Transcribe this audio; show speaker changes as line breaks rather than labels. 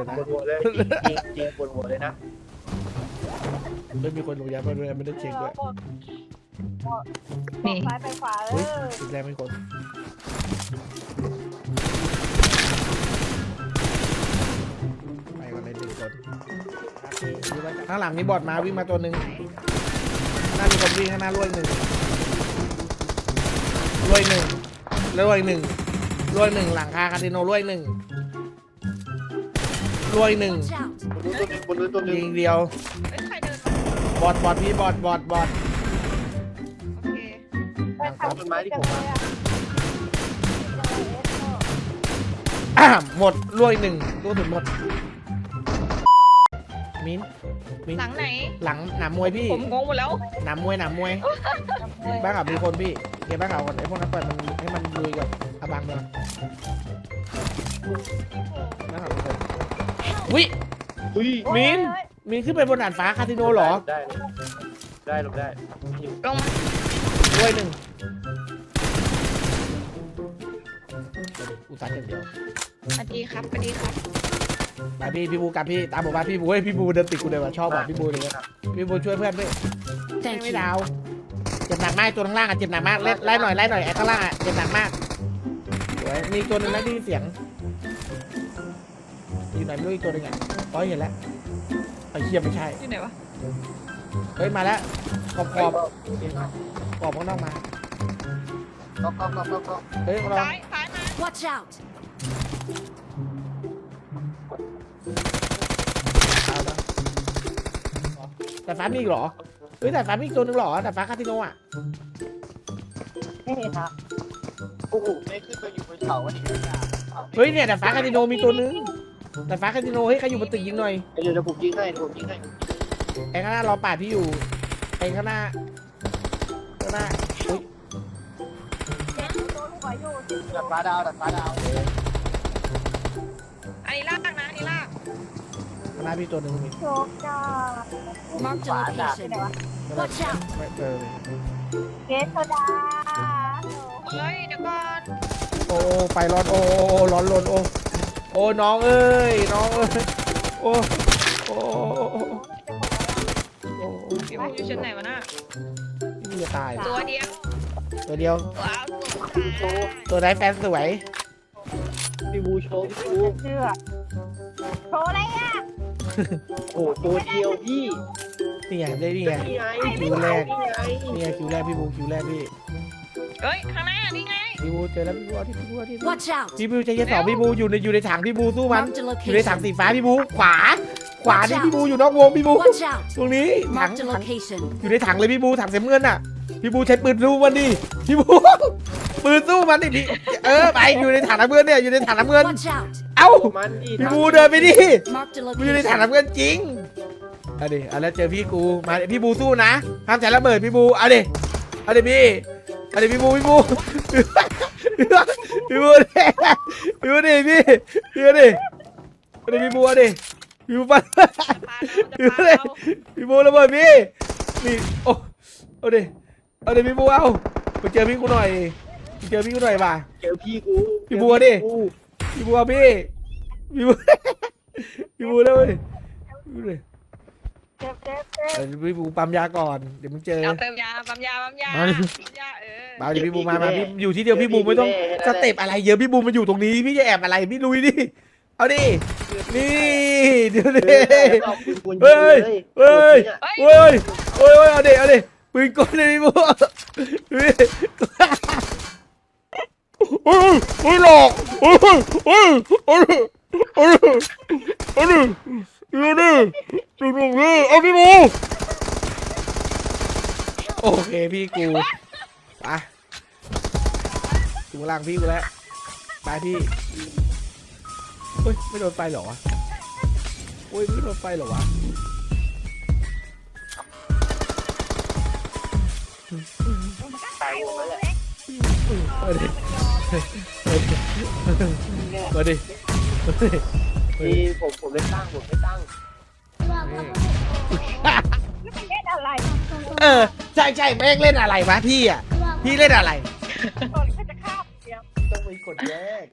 นะ
ปวดหัวเลยจริงปวดหัวเลยนะ
ไม่มีคนลงยามาด้วยไม่ได้เช็คด้วย
นี่
ซ้ายไปขวา
อุ้ยอีกแล้วไม่คนไปวันไหน1 คนข้างหลังมีบอดมาวิ่งมาตัวหนึ่งข้างหน้ามีคนวิ่งข้างหน้ารวย1รวย1แล้วรวย1หลังคาคาสิโนรวย1รวย1
บนนู้นตัวนึง
ยิงเดียว
เอ้ยใครเดินมา
บอดพี่บอด
โอเค
ต้นไม้ที่ผมมา
หมดรวย1ตัวถึงหมดมิ้น
หลังไหน
หลังหนามมวยพี่
ผมงงหมดแล้ว
หนามมวยบ้างอ่ะมีคนพี่เก็บบ้างอ่ะไอ้พวกนั้นปล่อยมันให้มันลุยกับอาบังเลยบ้างอ่ะมีคนวิ
อุ้ย
มิ้นขึ้นไปบนด่านฟ้าคาสิโนเหรอ
ได้หลบได้
ลงมาร
วย1อุตส่าห์อย่างเดียว
สวัสดีครับสวัสดีครับ
ไปพี่บูกับพี่ตามผมมาพี่บูเฮ้ยพี่บูเดินติดกูเลยว่ะชอบว่ะพี่บูเลยว่ะพี่บูช่วยเพื่อนด้วยไม่ดาวเจ็บหนักมากตัวข้างล่างอ่ะเจ็บหนักมากไล่หน่อยไอ้ข้างล่างอ่ะเจ็บหนักมากสวยมีตัวหนึ่งแล้วได้ยินเสียงอยู่ไหนไม่รู้อีกตัวหนึ่งอ่ะอ๋อเห็นแล้วไอ้เหี้ยไม่ใช่
อยู่ไหนวะ
เฮ้ยมาแล้วขอบข้างนอกมา
ก็
เฮ้ยเรา
ซ้ายมา
Watch out!
เอาละแต่ฟ้ามีอีกเหรอเฮ้ยแต่ฟ้ามีอีกตัวหนึ่งเหรอแต่ฟ้าคาสิโนอ่ะ
ไม่เห็นนะ
โอ้โหไม่ขึ้นไปอยู่บนเขาวันนี้
เฮ้ยเนี่ยแต่ฟ้าคาสิโนมีตัวหนึงแต่ฟ้าคาสิโนเฮ้ยใครอยู่บนตึกยิงหน่อย
เดี๋ยวผมยิงให้
ไอ้ข้างหน้ารอปาดพี่อยู่ไอ้ข้างหน้าอุ้ย
โดนหัวอยู่
ดัดฟ้าดาว
อันนี้ลากนะอันนี้ลาก
ข้างหน้าพี่ตัวหนึ่งมี
โชคจ้า
Marked a location. Watch out!
ไม่เจอเลย
เกสโซดา
เฮ้ยเดี๋ยวก่อน
โอ้ไฟร้อนโอ้ร้อนลนโอ้น้องเอ้ยโอ้โอ้
พี่บูอยู่ชั้นไหนวะน่ะ
พี่จะตาย
ตัวเดียว
ตัวเดียว
ว้าว
ตัวไหนแฟนสวย
พี่บูโชว์
เชื่อโชว์อะไรอ่ะ
โอ้ตัวเดียวพี่
นี่ไงได้นี่ไง
นี่ไง
คิวแรกนี่ไงคิวแรกพี่บูคิวแรกพี่
เฮ้ยข้างหน้านี่ไง
พี่บูเจอแล้วพี่บูเอาที่พี่บูเอาที่
Watch out!
พี่บูใจเย็นสองพี่บูอยู่ในถังพี่บูสู้มัน
Marked a
อยู่ในถัง
location.
สีฟ้าพี่บูขวานี่พี่บูอยู่นอกวงพี่บู
Watch out!
ตรงนี้ถัง
Marked a location.
อยู่ในถังเลยพี่บูถังเสียเงินอ่ะพี่บูใช้ปืนสู้มันดิพี่บูปืนสู้มันดิพี่ไปอยู่ในถังน้ำเงินเนี่ยอยู่ในถังน้ำเงิน
Watch out!
เอ้า
มันดิ
พี่บูเดินไปดิ
Marked a
มันอยู่ในถัง
location.
น้ำเงินจริงเอาดิเอาแล้วเจอพี่กูมาพี่บูสู้นะห้ามใช้ระเบิดพี่บูเอาดิพี่เอาดิพี่บูพี่บูดิพี่เอาดิพี่บูเอาดิพี่บูปัด
จะพาเรา
พี่บูระเบิดพี่นี่โอ้เอาดิพี่บูเอาไปเจอพี่กูหน่อยป่ะ
เจอพี่กู
พี่บัวดิ พี่บูเอาพี่แล้วดิ
เจ็บ
พี่บูปั๊มยาก่อนเดี๋ยวมึงเจอ
เอาเติมยาปั๊มยา
มา
เออ
เดี๋ยวพี่บูมาพี่อยู่ที่เดียวพี่บูไม่ต้องสเต็ปอะไรเยอะพี่บูมาอยู่ตรงนี้พี่จะแอบอะไรพี่ลุยดิเอาดินี่เดี๋ยวดิเฮ้ยเอาดิปืนกลเลยพี่บูเฮ้ยหลอกเอาพี่บูโอเคพี่กูไปถึงหลังพี่กูแล้วไปพี่เฮ้ยไม่โดนไฟเหรอวะโอ้ยไม่โดนไฟเหรอวะมาดิ
พี่ผมเล่นตั้ง
เล่นอะไร
ใช่แม่งเล่นอะไรวะพี่เล่นอะไร
ก่อนเขาจะฆ่าเดียว
ต้องไปกดแยก